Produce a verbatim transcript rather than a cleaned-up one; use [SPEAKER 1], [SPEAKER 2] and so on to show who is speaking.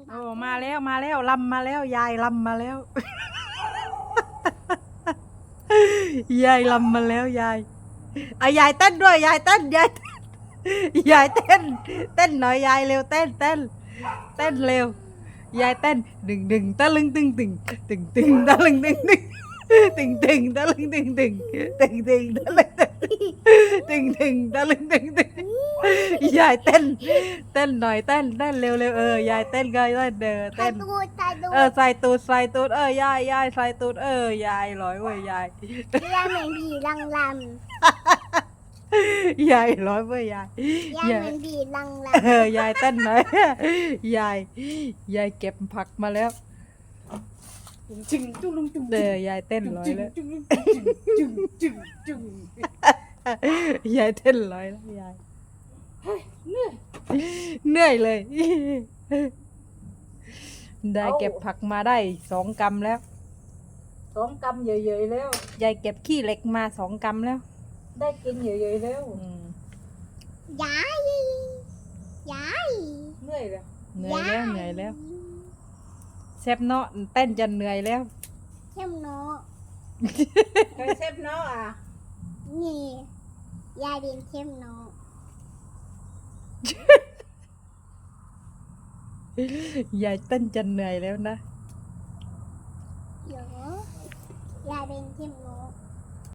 [SPEAKER 1] โอ้มาแล้วมาแล้วลำมาแล้วยายลำมาแล้ว ยายลำมาแล้วยายเอายายเต้นด้วยยายเต้นยายเต้นยายเต้นเต้นหน่อยยายเร็วเต้นเต้นเต้นเร็วยายเต้นดึงดึงตะลึงตึงตึงตึงตึงตะลึงตึงตึงตึงตึงตะลึงตึงตึงตึงตึงตะลึงตึงตึงตะลึงตึงตึงยายเต้นเต้นหน่อยเต้นเต้นเร็วเร็วเออยายเต้นก็เต้นเด้อ
[SPEAKER 2] ใส่
[SPEAKER 1] เต้น
[SPEAKER 2] ตูดใส่ตูด
[SPEAKER 1] เออใส่ตูดใส่ตูดเออยายยายใส่ตูดเออยายร้อยเว้ยยาย
[SPEAKER 2] ยายเหมือนผีลังล
[SPEAKER 1] ยายร้อยเว้ยยาย
[SPEAKER 2] ำยายเหมือนผีลังล
[SPEAKER 1] เออยายเต้นหน่อย ยายยายเก็บผักมาแล้ว
[SPEAKER 3] จึงจุ้งลุงจุ้ง
[SPEAKER 1] เออยายเต้นร้อยแล้ว
[SPEAKER 3] จุ้งจุ้งจุ้งจุ้ง
[SPEAKER 1] ยายเต้นร้อยแล้วยาย
[SPEAKER 3] เหนื่อย
[SPEAKER 1] เหนื่อยเลย ได้เก็บผักมาได้สองกำแล้ว
[SPEAKER 3] สองกำเยอะๆแล้ว
[SPEAKER 1] ยายเก็บขี้เหล็กมาสองกำแล้ว
[SPEAKER 3] ได้กินเยอะๆแล้ว
[SPEAKER 1] อืม
[SPEAKER 2] ำยายยาย
[SPEAKER 3] เหนื่อยแล้ว
[SPEAKER 1] เหนื่อยแล้วเหนื่อยแล้วแซบเนาะเต้นจนเหนื่อยแล้ว
[SPEAKER 2] เข้มโน
[SPEAKER 3] เคยเซฟเนาะอ่ะ
[SPEAKER 2] นี่ยายเรียนเข้มโน
[SPEAKER 1] ยายเต้นจนเหนื่อยแล้วนะ
[SPEAKER 2] เดี๋ยวยายเรียนเข้มโน